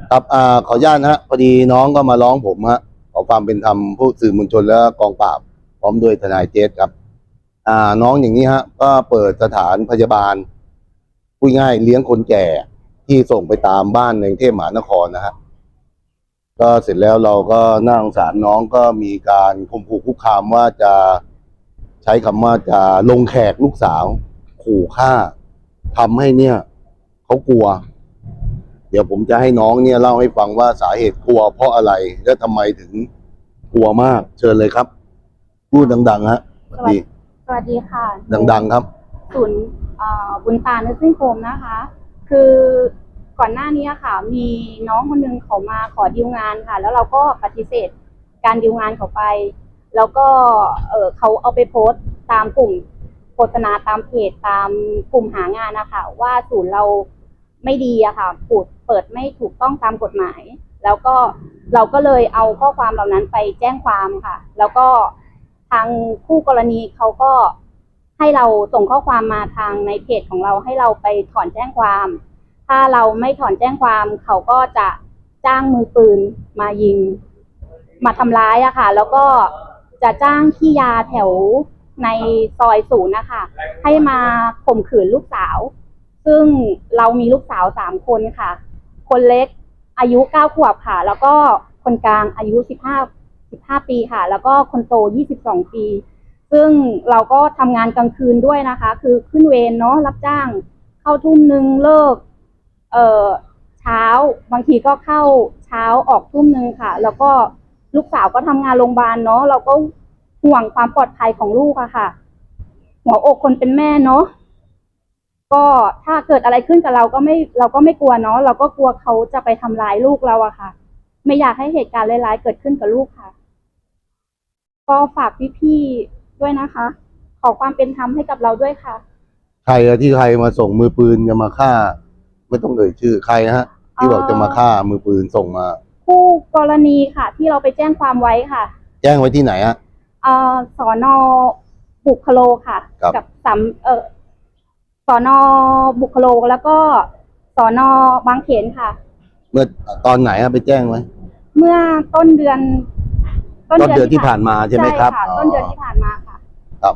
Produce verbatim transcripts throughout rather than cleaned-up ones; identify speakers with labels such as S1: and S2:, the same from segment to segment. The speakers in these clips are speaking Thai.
S1: ครับอ่าขออนุญาตนะฮะพอดีน้องก็มาร้องผมฮะขอความเป็นธรรมผู้สื่อมวลชนและกองปราบพร้อมด้วยทนายเจษครับอ่าน้องอย่างนี้ฮะก็เปิดสถานพยาบาลพูดง่ายเลี้ยงคนแก่ที่ส่งไปตามบ้านในกรุงเทพมหานครนะฮะก็เสร็จแล้วเราก็น่าสงสารน้องก็มีการข่มขู่คุกคามว่าจะใช้คำว่าจะลงแขกลูกสาวขู่ฆ่าทำให้เนี่ยเขากลัว เดี๋ยวผมจะให้น้องเนี่ยเล่าให้ฟังว่าสาเหตุกลัวเพราะอะไรและทำไมถึงกลัวมากเชิญเลยครับพูดดังๆฮะสวัสดี
S2: สวัสดีค่ะ
S1: ดังๆครับ
S2: ศูนย์บุญตาเนอร์ซิ่งโฮมนะคะ คือก่อนหน้านี้ค่ะ มีน้องคนนึงเขามาขอดีลงานค่ะ แล้วเราก็ปฏิเสธการดีลงานเขาไป แล้วก็เออเขาเอาไปโพสต์ตามกลุ่มโฆษณาตามเพจตามกลุ่มหางานนะคะว่าศูนย์เราไม่ดีอะค่ะปูดเปิดไม่ถูกต้องตามกฎหมาย แล้วก็เราก็เลยเอาข้อความเหล่านั้นไปแจ้งความค่ะ แล้วก็ทางคู่กรณีเขาก็ให้เราส่งข้อความมาทางในเพจของเราให้เราไปถอนแจ้งความ ถ้าเราไม่ถอนแจ้งความเขาก็จะจ้างมือปืนมายิงมาทำร้ายอะค่ะแล้วก็จะจ้างขี้ยาแถวในซอยศูนย์นะคะให้มาข่มขืนลูกสาวซึ่งเรามีลูกสาวสามคนค่ะคนเล็กอายุเก้าขวบค่ะแล้วก็คนกลางอายุสิบห้าสิบห้าปีค่ะแล้วก็คนโตยี่สิบสองปีซึ่งเราก็ทำงานกลางคืนด้วยนะคะคือขึ้นเวรเนาะรับจ้างเข้าทุ่มนึงเลิกเอ่อเช้าบางทีก็เข้าเช้าออกทุ่มนึงค่ะแล้วก็ลูกสาวก็ทำงานโรงพยาบาลเนาะเราก็ห่วงความปลอดภัยของลูกอะค่ะหัวอกคนเป็นแม่เนาะก็ถ้าเกิดอะไรขึ้นกับเราก็ไม่เราก็ไม่กลัวเนาะเราก็กลัวเขาจะไปทำร้ายลูกเราอะค่ะไม่อยากให้เหตุการณ์ร้ายๆเกิดขึ้นกับลูกค่ะก็ฝากพี่ๆด้วยนะคะขอความเป็นธรรมให้กับเราด้วยค่ะ
S1: ใครอะที่ใครมาส่งมือปืนจะมาฆ่าไม่ต้องเอ่ยชื่อใครฮะที่บอกจะมาฆ่ามือปืนส่งมา
S2: คู่กรณีค่ะที่เราไปแจ้งความไว้ค่ะ
S1: แจ้งไว้ที่ไหนฮะ
S2: เอ่อสอนอบุคโลค่ะกับสามเอ่อสอนอบุคโลแล้วก็สอนอบางเขนค่ะ
S1: เมื่อตอนไหนฮะไปแจ้งไว้
S2: เมื่อต้นเดือน
S1: ต้นเดือนที่ผ่านมาใช่ไหมครับ
S2: ใช่ค่ะต้นเดือนที่ผ่านมาค่ะ
S1: ครับ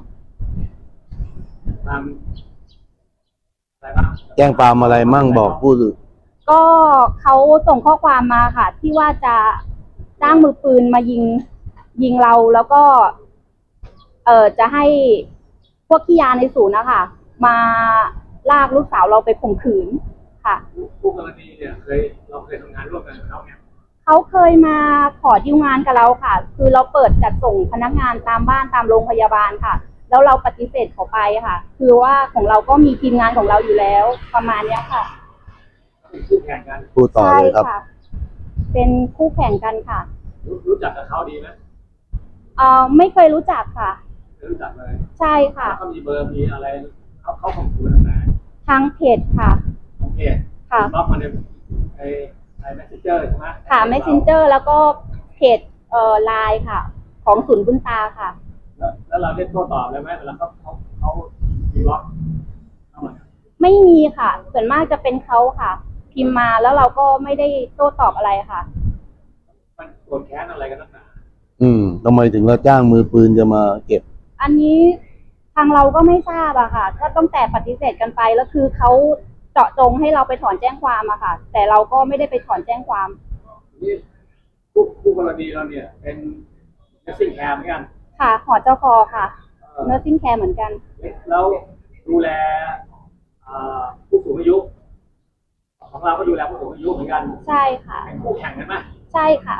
S1: แจ้งความอะไรมั่งบอกผู้สื่อ
S2: ก็เขาส่งข้อความมาค่ะที่ว่าจะจ้างมือปืนมายิงยิงเราแล้วก็เอ่อจะให้พวกขี้ยาในศูนย์นะคะมาลากลูกสาวเราไปข่มขืนค่ะ
S3: ผู้กรณีเนี่ยเคยเราเคยทำงานร่วมกันกับเขาเนี่ย
S2: เขาเคยมาขอดีลงานกับเราค่ะคือเราเปิดจัดส่งพนักงานตามบ้านตามโรงพยาบาลค่ะแล้วเราปฏิเสธเขาไปค่ะคือว่าของเราก็มีทีมงานของเราอยู่แล้วประมาณนี้ค่ะ
S3: เป็นคู่แข่งกัน
S1: พูดต่อเลยครับ
S2: เป็นคู่แข่งกันค่ะ
S3: รู้รู้จักกับเขาดีไหม
S2: เอ่อไม่เคยรู้จักค่ะ
S3: ไม่รู้จักเลย
S2: ใช่ค่ะ
S3: เขามีเบอร์มีอะไรเขาเขาข่มขู่ทางไหน
S2: ทางเพจค่ะ
S3: ทางเพจ
S2: ค่ะ
S3: รับมาในไอ้ไอ้เมสเซนเจอร์ใช่ไหม
S2: ค่ะเมสเซนเจอร์แล้วก็เพจเอ่อไลน์ค่ะของศูนย์บุญตาค่ะ
S3: แล้วแล้วเราได้โต้ตอบเลยไหมเวลาเขาเขาเขามีบล็อกเข้ามา
S2: ไม่มีค่ะส่วนมากจะเป็นเขาค่ะพิมพ์มาแล้วเราก็ไม่ได้โต้ตอบอะไรค่ะ
S3: มันโกรธแค้นอะไรกันนักหนา
S1: อืมทำไมถึงเราจ้างมือปืนจะมาเก็บ
S2: อันนี้ทางเราก็ไม่ทราบอะค่ะก็ต้องแต่ปฏิเสธกันไปแล้วคือเขาเจาะจงให้เราไปถอนแจ้งความอะค่ะแต่เราก็ไม่ได้ไปถอนแจ้งความ
S3: นี่ผู้ผู้กรณีเราเนี่ยเป็นเนสซิ่งแคร์เหมือนกัน
S2: ค่ะหอเจ้าคอค่ะเนอร์ซิ่งแคร์เหมือนกัน
S3: แล้วดูแลผู้สูงอายุของเราก็ดูแลผู้สูงอายุเหมือนกัน
S2: ใช่ค่ะ
S3: เป็นคู่แข่งกันไหม
S2: ใช่ค่ะ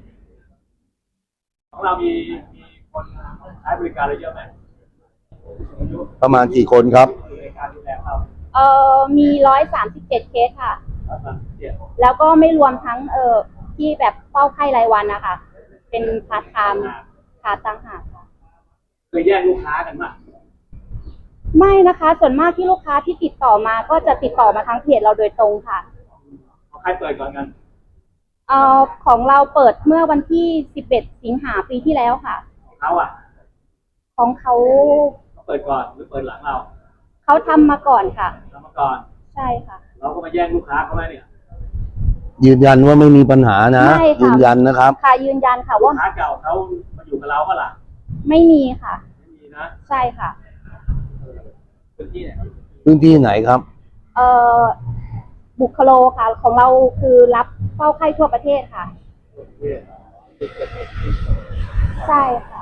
S3: ของเรามีมีคนใช้บริการอะไรเยอะไหม
S1: ประมาณกี่คนครับ
S2: เอ่อมีร้อยสามสิบเจ็ดเคสค่ะแล้วก็ไม่รวมทั้งเอ่อที่แบบเฝ้าไข้รายวันนะคะเป็นพาร์ทไทม์ค่ะต่างหากค่ะ
S3: เคยแย่งลูกค้ากันไหม
S2: ไม่นะคะส่วนมากที่ลูกค้าที่ติดต่อมาก็จะติดต่อมาทางเพจเราโดยตรงค่ะ
S3: ใครเปิดก่อนกัน
S2: เอ่อของเราเปิดเมื่อวันที่สิบเอ็ดสิงหาปีที่แล้วค่ะ
S3: ของเขาอ่ะ
S2: ของเขา
S3: เขาเปิดก่อนหรือเปิดหลังเรา
S2: เขาทำมาก่อนค่ะ
S3: ทำมาก่อน
S2: ใช่ค่ะ
S3: เราก็มาแย่งลูกค้าเขาไหมเนี่ย
S1: ยืนยันว่าไม่มีปัญหานะ
S2: ไม่ค่ะ
S1: ยืนยันนะครับ
S2: ค่ะยืนยันค่ะ
S3: ลู
S2: ว่าก
S3: ค้าเก่าเขามาอยู่กับเราก็ล่ะ
S2: ไม่มีค่ะ
S3: ไม่มีนะ
S2: ใช่ค่ะ
S3: พื้นที่เนี่ย
S1: พื้นที่ไหนครับ
S2: เอ่อบุคโลค่ะ ของเราคือรับเฝ้าไข้ทั่วประเทศค่ะ ใช่ค่ะ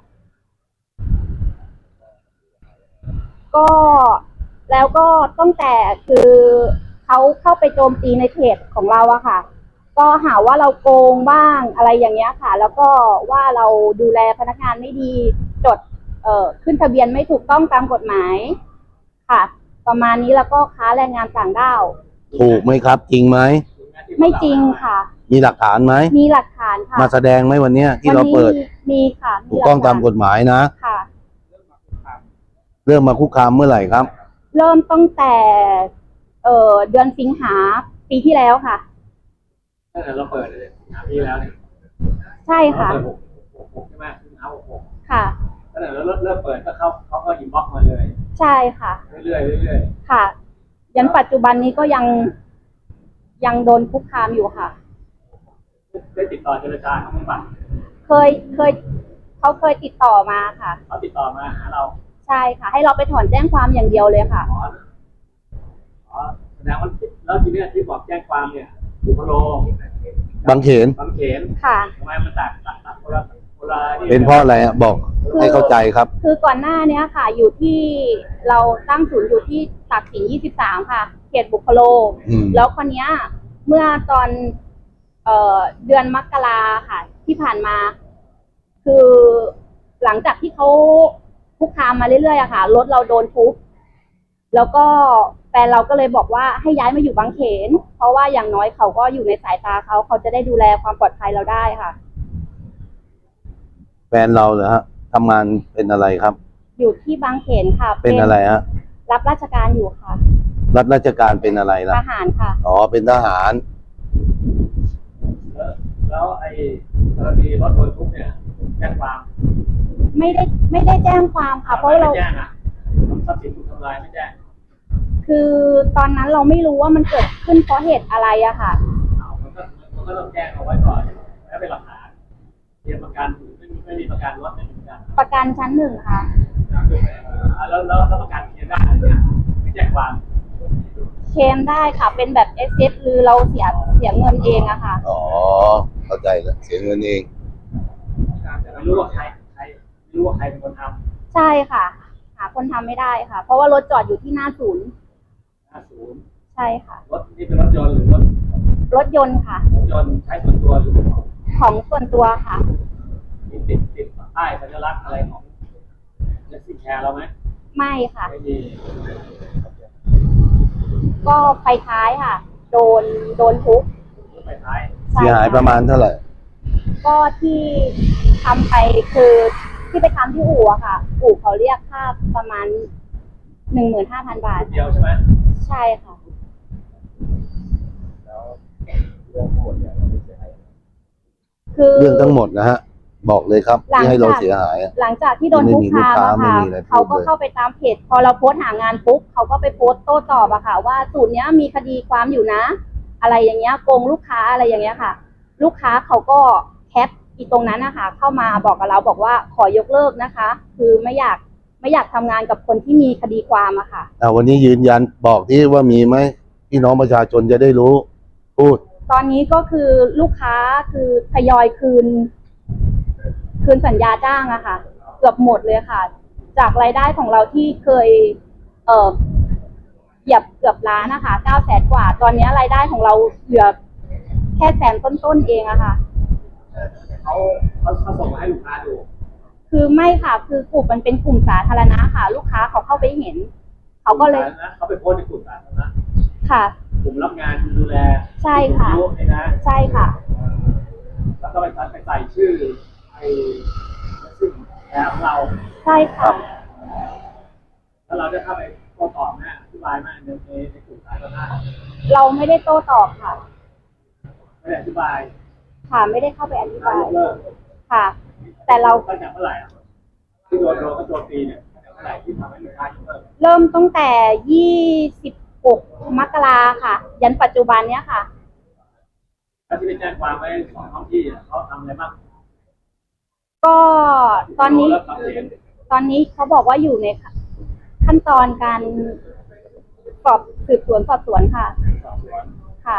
S2: ก็แล้วก็ตั้งแต่คือเขาเข้าไปโจมตีในเพจของเราอะค่ะ ก็หาว่าเราโกงบ้างอะไรอย่างเงี้ยค่ะ แล้วก็ว่าเราดูแลพนักงานไม่ดีจด เอ่อขึ้นทะเบียนไม่ถูกต้องตามกฎหมายค่ะ ประมาณนี้แล้วก็ค้าแรงงานต่างด้าว
S1: ถูกไหมครับ จริงไหม
S2: ไม่จริงค่ะ
S1: มีหลักฐานไหม
S2: มีหลักฐานค่ะ
S1: มาแสดงไหมวันเนี้ยที่
S2: วัน
S1: เรา
S2: นี้
S1: เปิด
S2: มีค่ะ
S1: ถูกต้องตามกฎหมายนะ
S2: ค่ะ
S1: เริ่มมาคุกคามเมื่อไหร่ครับ
S2: เริ่มตั้งแต่ เอ่อเดือนสิงหาปีที่แล้วค่ะ
S3: ตั้งแต่เราเปิดเลยหาพี่แล้วเนี่ย
S2: ใช่ค่ะ
S3: เราเปิดหกหกหกใช่ไหมสิงหาหกหก
S2: ค่ะ
S3: ตั้งแต่เราเริ่มเริ่มเปิดก็เข้าเขาก็อินบ็อกซ์มาเลย
S2: ใช่ค่ะ
S3: เรื่อยๆเรื่อย
S2: ค่ะ ยันปัจจุบันนี้ก็ยังยังโดนคุกคามอยู่ค่ะ
S3: ๆได้ติดต่อเจรจาเขาบ้างปะ
S2: เคยเคยเขาเคยติดต่อมาค่ะ
S3: เขาติดต่อมาหาเรา
S2: ใช่ค่ะ ให้เราไปถอนแจ้งความอย่างเดียวเลยค่ะ
S3: อ๋ออ๋อแสดงว่าแล้วทีเนี้ยที่บอกแจ้งความเนี่ยบุคโล
S1: บางเขน
S3: บางเขน
S2: ค่ะ
S3: ทำไมมันต่างต่างต่างคนละคนละนี่
S1: เป็นเพราะอะไรอะบอก
S2: คือ
S1: ให้เข้าใจครับ
S2: คือก่อนหน้าเนี้ยค่ะ อยู่ที่เราตั้งศูนย์อยู่ที่ตักสินยี่สิบสามค่ะ เขตบุคโล
S1: อืม
S2: แล้วคนเนี้ย เมื่อตอน เอ่อเดือนมกราค่ะ ที่ผ่านมา คือหลังจากที่เขาคุกคามมาเรื่อยๆอะค่ะรถเราโดนทุบแล้วก็แฟนเราก็เลยบอกว่าให้ย้ายมาอยู่บางเขน เพราะว่าอย่างน้อยเขาก็อยู่ในสายตาเขาเขาจะได้ดูแลความปลอดภัยเราได้ค่ะ
S1: แฟนเราเหรอฮะทำงานเป็นอะไรครับ
S2: อยู่ที่บางเขนค่ะ
S1: เป็นอะไรฮะ
S2: รับราชการอยู่ค่ะ
S1: รับราชการเป็นอะไร
S2: ท
S1: ล่ะ
S2: หารค่ะ
S1: อ๋อ เป็นทหาร
S3: แล้วแล้วไอ้กรณีรถโดนทุบเนี่ยแจ้งความ
S2: ไม่ได้ไม่ได้แจ้งความค่ะ เพราะเรา
S3: ไม่แจ้งอ่ะทรัพย์สินถูกทำลายไม่แจ้ง
S2: คือตอนนั้นเราไม่รู้ว่ามันเกิดขึ้นเพราะเหตุอะไรอะค่ะ
S3: อ้าวมันก็มันก็ต้องแจ้งเอาไว้ก่อนแล้วเป็นหลักฐานเตรียมประกันไม่มีไม่มีประกันรถไม่มีประกัน
S2: ประกันชั้นหนึ่งค่ะ
S3: อ่าแล้วแล้วแล้วประกันเคลมได้เนี่ยไม่แจ้งความ
S2: เคลมได้ค่ะ เป็นแบบเอสเอฟหรือเราเสียเสียเงินเองอะค่ะ
S1: อ๋อ เข้าใจแล้ว เสียเงินเอง
S3: แต่ไม่รู้ว่าใครใครไม่รู้ว่าใครเป็นคนท
S2: ใช่ค่ะ หาคนทำไม่ได้ค่ะ เพราะว่ารถจอดอยู่ที่หน้าศูนย์
S3: ำหน้าศูนย์
S2: ใช่ค่ะ
S3: รถนี่เป็นรถยนต์หรือรถ
S2: รถยนต์ค่ะ
S3: รถยนต์ใช้ส่วนตัวหรือของ
S2: ของส่วนตัวค่ะ
S3: มีติดติดป้ายสัญลักษณ์อะไรของเนสซี่แคร์เราไหม
S2: ไม่ค่ะ
S3: ไม่มี
S2: ก็ไฟท้ายค่ะ โดนโดนทุบ
S3: รถไฟท้าย
S2: ใช่
S1: เสียหาย
S2: ค่
S1: ประมาณเท่าไหร่
S2: ก็ที่ทำไปคือที่ไปทำที่อู่อะค่ะ อู่เขาเรียกค่าประมาณหนึ่งหมื่นห้าพันบาท
S3: เดียวใช่ไหม
S2: ใช่ค่ะ
S3: แล้วเรื่องทั้งหมดเนี่ยเราไม่เสียหาย
S2: คือ
S1: เรื่องทั้งหมดนะฮะ บอกเลยครับ
S2: หลัง
S1: ที่ให้เรา
S2: จาก
S1: เสียหายอะ
S2: หลังจากที่โดนคุกคามอะ
S1: ไม่
S2: ค่ะ
S1: มีลูกค้าไม่มีอะไรพูด
S2: เขาก็
S1: เลย
S2: เข้าไปตามเพจ พอเราโพสต์หางานปุ๊บเขาก็ไปโพสต์โต้ตอบอะค่ะ ว่าสูตรเนี้ยมีคดีความอยู่นะ อะไรอย่างเงี้ยโกงลูกค้าอะไรอย่างเงี้ยค่ะ ลูกค้าเขาก็แคปอีตรงนั้นนะคะเข้ามาบอกกับเราบอกว่าขอยกเลิกนะคะ คือไม่อยากไม่อยากทำงานกับคนที่มีคดีความอะค่ะ
S1: อ่าวันนี้ยืนยันบอกที่ว่ามีไหมพี่น้องประชาชนจะได้รู้ พูด
S2: ตอนนี้ก็คือลูกค้าคือทยอยคืน คืนสัญญาจ้างอะค่ะ เกือบหมดเลยค่ะ จากรายได้ของเราที่เคย เอ่อเหยียบเกือบล้านนะคะเก้าแสนกว่า ตอนนี้รายได้ของเราเหลือแค่แสนต้นๆเองอะค่ะ
S3: เขาเขาเขาส่งมาให้ลูกค้าดู
S2: คือไม่ค่ะ คือกลุ่มมันเป็นกลุ่มสาธารณะค่ะ ลูกค้าเขาเข้าไปเห็น เขาก็เลย
S3: นะเขาไปโพสต์ในกลุ่มสาธารณะ
S2: ค่ะ
S3: กลุ่มรับงานดูแล
S2: ใช่ค่ะ
S3: ผู้สูงอายุเนี่ยนะ
S2: ใช่ค่ะ
S3: แล้วก็ไปใส่ไปใส่ชื่อไอ้ซึ่งแอร์ของเรา
S2: ใช่ค่ะ
S3: แล้วเราได้เข้าไปโต้ตอบนะอธิบายมากในในในกลุ่มสาธารณะ
S2: เราไม่ได้โต้ตอบค่ะ
S3: ไม่ได้อธิบาย
S2: ค่ะ ไม่ได้เข้าไปอธิ
S3: ถ้า
S2: บาย
S3: ยกเลิก
S2: ค่ะ แต่เรา
S3: ตั้งแต่เมื่อไหร่อ่ะที่โดนโดนก็โดนปีเนี่ยตั้งแต่เมื่อไหร่ที่ทำให้ลูกค้ายกเลิก
S2: เริ่มตั้งแต่ยี่สิบหกมกราค่ะ ยันปัจจุบันเนี้ยค่ะ
S3: แล้วที่ไปแจ้งความไว้สองท้องที่เขาทำอะไรบ้าง
S2: ก็ตอนนี้
S3: แล้วความเห็น
S2: ตอนนี้เขาบอกว่าอยู่ในขั้นตอนการสอบสืบสวนสอบสวนค่ะ
S3: สอบสวน
S2: ค่ะ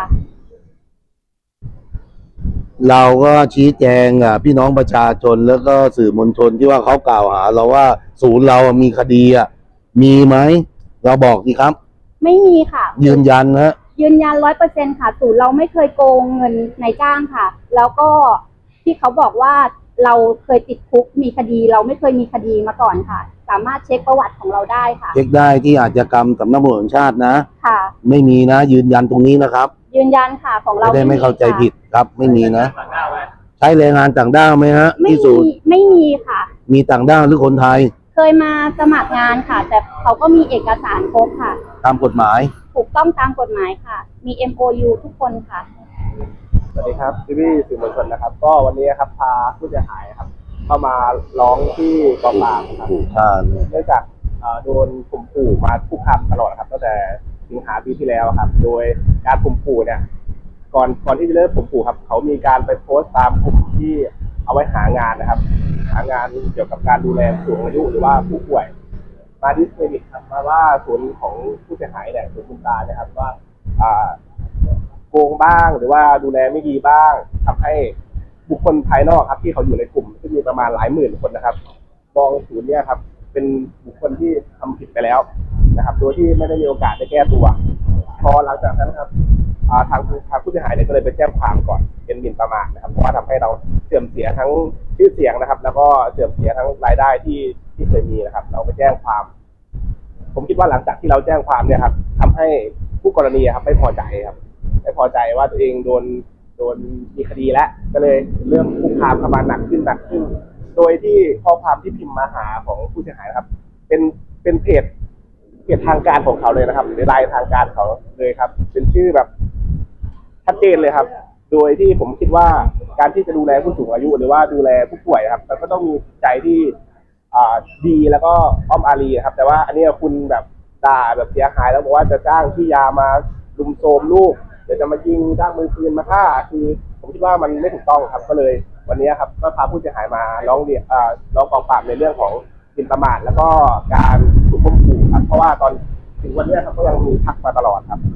S1: เราก็ชี้แจงอ่ะพี่น้องประชาชนแล้วก็สื่อมวลชนที่ว่าเขากล่าวหา เราว่าศูนย์เรามีคดีอ่ะมีไหมเราบอกดีครับ
S2: ไม่มีค่ะ
S1: ยืนยันนะ
S2: ยืนยันร้อยเปอร์เซ็นค่ะศูนย์เราไม่เคยโกงเงินนายจ้างค่ะ แล้วก็ที่เขาบอกว่าเราเคยติดคุกมีคดี เราไม่เคยมีคดีมาก่อนค่ะ สามารถเช็คประวัติของเราได้ค่ะ
S1: เช็คได้ที่อาชญากรรมสำนักงานตำรวจแห่งชาตินะ
S2: ค่ะ
S1: ไม่มีนะ ยืนยันตรงนี้นะครับ
S2: ยืนยันค่ะของเรา
S1: จะได้ไม่เข้าใจผิดครับ ไม่มีนะ
S3: ต่างด้าวไว้
S1: ใช้แรงงานต่างด้าวไหมฮะ
S2: ไม่
S1: ที่ศู
S2: มี
S1: นย์
S2: ไม่มีค่ะ
S1: มีต่างด้าวหรือคนไทย
S2: เคยมาสมัครงานค่ะ แต่เขาก็มีเอกสารครบค่ะ
S1: ตามกฎหมาย
S2: ถูกต้องตามกฎหมายค่ะ มี เอ็ม โอ ยู ทุกคนค่ะ
S4: สวัสดีครับพี่พี่ๆสื่อมวลชนนะครับ ก็วันนี้ครับพาผู้เสียหายครับ เข้ามาร้องที่กองปราบครับ
S1: ถูกค่าเนี่ย
S4: เนื่องจากเอ่อโดนข่มขู่มาคุกคามตลอดครับตั้งแต่สิงหาปีที่แล้วครับ โดยการข่มขู่เนี่ย ก่อนก่อนที่จะเริ่มข่มขู่ครับ เขามีการไปโพสต์ตามกลุ่มที่เอาไว้หางานนะครับ หางานเกี่ยวกับการดูแลผู้สูงอายุหรือว่าผู้ป่วย มาดิสเครดิตครับมาว่าศูนย์ของผู้เสียหายเนี่ยศูนย์คุณตาเนี่ยครับว่าอ่า โกงบ้างหรือว่าดูแลไม่ดีบ้างทำให้บุคคลภายนอกครับที่เขาอยู่ในกลุ่มซึ่งมีประมาณหลายหมื่นคนนะครับมองศูนย์เนี่ยครับเป็นบุคคลที่ทำผิดไปแล้วนะครับโดยที่ไม่ได้มีโอกาสได้แก้ตัวพอหลังจากนั้นครับอ่าทางทางผู้เสียหายเนี่ยก็เลยไปแจ้งความก่อนเป็นหมิ่นประมาทนะครับเพราะว่าทำให้เราเสื่อมเสียทั้งชื่อเสียงนะครับ แล้วก็เสื่อมเสียทั้งรายได้ที่ที่เคยมีนะครับ เราไปแจ้งความ ผมคิดว่าหลังจากที่เราแจ้งความเนี่ยครับทำให้ผู้กรณีครับไม่พอใจครับไม่พอใจว่าตัวเองโดนโดนมีคดีแล้วก็เลยเริ่มคุกคามเข้ามาหนักขึ้นหนักขึ้น โดยที่ข้อความที่พิมพ์มาหาของผู้เสียหายนะครับ เป็นเป็นเพจเพจทางการของเขาเลยนะครับหรือไลน์ทางการเขาเลยครับ เป็นชื่อแบบชัดเจนเลยครับ โดยที่ผมคิดว่าการที่จะดูแลผู้สูงอายุ หรือว่าดูแลผู้ป่วยครับมันก็ต้องมีใจที่อ่าดีแล้วก็อ้อมอารีครับ แต่ว่าอันนี้คุณแบบด่าแบบเสียหายแล้วบอกว่าจะจ้างพี่ยามาลุมโทรมลูกเดี๋ยวจะมายิงจ้างมือปืนมาฆ่าคือ ผมคิดว่ามันไม่ถูกต้องครับ ก็เลยวันนี้ครับก็พาผู้เสียหายมาร้องเรียนอ่าร้องกองปราบในเรื่องของหมิ่นประมาทแล้วก็การถูกข่มขู่ครับเพราะว่าตอนถึงวันนี้ครับก็ยังมีทักมาตลอดครับ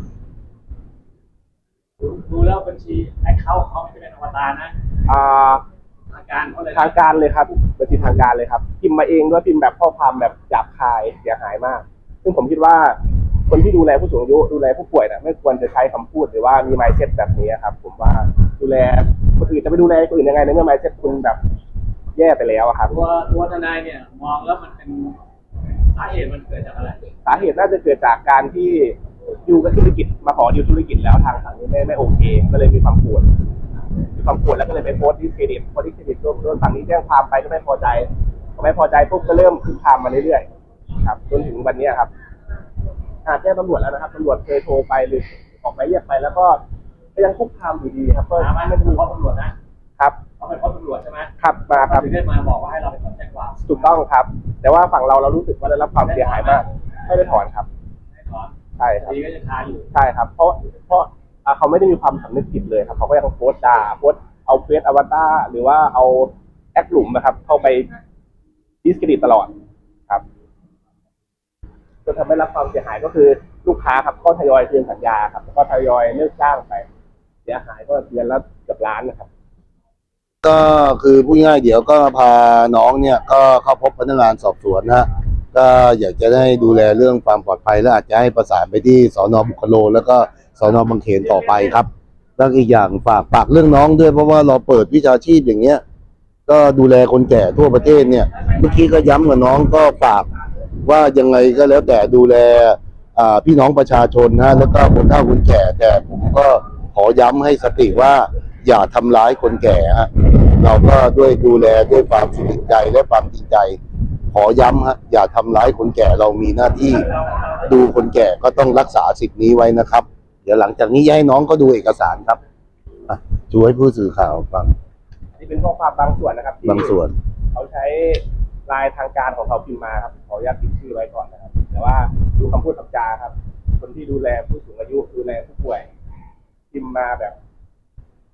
S3: ดูแล้วบัญชีแอคเคาท์เขาไม่เป็นอวตารนะ
S4: อ่า
S3: ทางการเขาเลย
S4: ทางการเลยครับบัญชีทางการเลยครับพิมพ์มาเองด้วยพิมพ์แบบข้อความแบบหยาบคายเสียหายมาก ซึ่งผมคิดว่าคนที่ดูแลผู้สูงอายุดูแลผู้ป่วยนะไม่ควรจะใช้คำพูดหรือว่ามี mindset แบบนี้ครับ ผมว่าดูแลคนอื่นจะไปดูแลคนอื่นยังไงในเมื่อ mindset คุณแบบแย่ไปแล้วอะครับ
S3: ตัวตัวทนายเนี่ยมองแล้วมันเป็นสาเหตุมันเกิดจากอะไร
S4: สาเหตุน่าจะเกิดจากการที่อยู่กับธุรกิจมาขอดิวธุรกิจแล้วทางฝั่งนี้ไม่ไม่โอเค ก็เลยมีความโกรธมีความโกรธแล้วก็เลยไปโพสต์ดิสเครดิตพอดิสเครดิตโดนฝั่งนี้แจ้งความไปก็ไม่พอใจพอไม่พอใจปุ๊บก็เริ่มคุกคามมาเรื่อยๆครับจนถึงวันนี้ครับอาแจ้งตำรวจแล้วนะครับตำรวจเคยโทรไปหรือออกไปเรียกไปแล้วก็ก็ยังคุกคามอยู่ดีครับก็
S3: ถามว่า
S4: ไม่
S3: ไม่
S4: ได้
S3: ได้
S4: มี
S3: พบตำรวจนะครับ เขาไปพบตำรวจใช่ไหม
S4: ครับมาครับ
S3: ถึงได้มาบอกว่าให้เราไปถอนแจ้งความ
S4: ถูกต้องครับ แต่ว่าฝั่งเราเรารู้สึกว่าได้รับความเสียหายมากไม่ได้ถอนครับ
S3: ให้ถอน
S4: ใช่ครับ
S3: คดีก็ยังคาอยู่
S4: ใช่ครับ เพราะเพราะอ่าเขาไม่ได้มีความสำนึกผิดเลยครับเขาก็ยังโพสต์ด่าโพสต์เอาเฟซอวตารหรือว่าเอาแอคหลุมนะครับ เข้าไปดิสเครดิตตลอดครับจนทำให้รับความเสียหายก็คือลูกค้าครับก็ทยอยคืนสัญญาครับแล้วก็ทยอยเลิกจ้างไป เสียหายก็เดือนละเกือบล้านนะครับ
S1: ก็คือพูดง่ายๆเดี๋ยวก็พาน้องเนี่ยก็เข้าพบพนักงานสอบสวนนะฮะก็อยากจะได้ดูแลเรื่องความปลอดภัยและอาจจะให้ประสานไปที่สนบุคโลแล้วก็สนบางเขนต่อไปครับแล้วอีกอย่างฝากฝากเรื่องน้องด้วยเพราะว่าเราเปิดวิชาชีพอย่างเงี้ยก็ดูแลคนแก่ทั่วประเทศเนี่ยเมื่อกี้ก็ย้ำกับน้องก็ฝากว่ายังไงก็แล้วแต่ดูแลอ่าพี่น้องประชาชนนะแล้วก็คนเฒ่าคนแก่แต่ผมก็ขอย้ำให้สติว่าอย่าทำร้ายคนแก่ฮะเราก็ด้วยดูแลด้วยความสุขใจและความจริงใจ ขอย้ำฮะอย่าทำร้ายคนแก่เรามีหน้าที่ดูคนแก่ก็ต้องรักษาสิทธินี้ไว้นะครับ เดี๋ยวหลังจากนี้ให้น้องก็ดูเอกสารครับอ่ะช่วยผู้สื่อข่าวฟัง
S4: นี่เป็นข้อความบางส่วนนะครับที่
S1: บางส่วน
S4: เขาใช้ลายทางการของเขาพิมพ์มาครับขออนุญาตพิมพ์ชื่อไว้ก่อนนะครับ แต่ว่าดูคำพูดคำจาครับ คนที่ดูแลผู้สูงอายุดูแลผู้ป่วยพิมพ์มาแบบ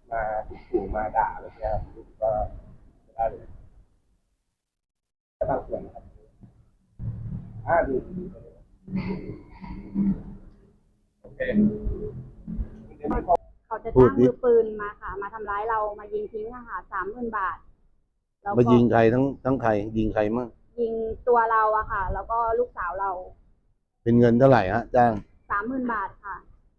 S4: มาขู่มาด่าอะไรเงี้ยครับรู้สึกว่าไม่ได้เลยแค่บางส่วนนะครับอ่าดีโอเค
S2: เขาจะ
S1: พูด
S2: จ้าง
S1: ดิ
S2: มือปืนมาค่ะ มาทำร้ายเรามายิงทิ้งอะค่ะสามหมื่นบาทแล้ว
S1: มา
S2: ก็
S1: ยิงใครทั้งทั้งใครยิงใครมั่ง
S2: ยิงตัวเราอะค่ะ แล้วก็ลูกสาวเรา
S1: เป็นเงินเท่าไหร่ฮะจ้าง
S2: สามหมื่นบาทค่ะ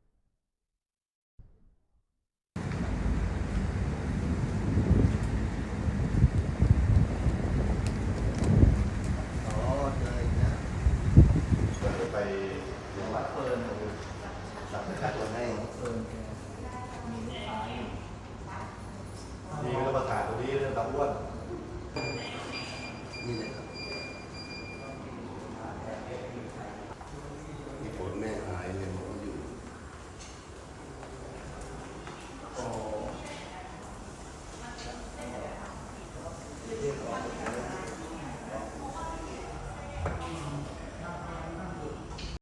S1: อ๋อเจออีกนะไปจังหวัดเฟิร์นสับประกันให้เฟิร์นมีก็ประกาศตรงนี้เรื่องตำรวจนี่เลยครับมีผลแม่หายเลยบอกว่าอยู่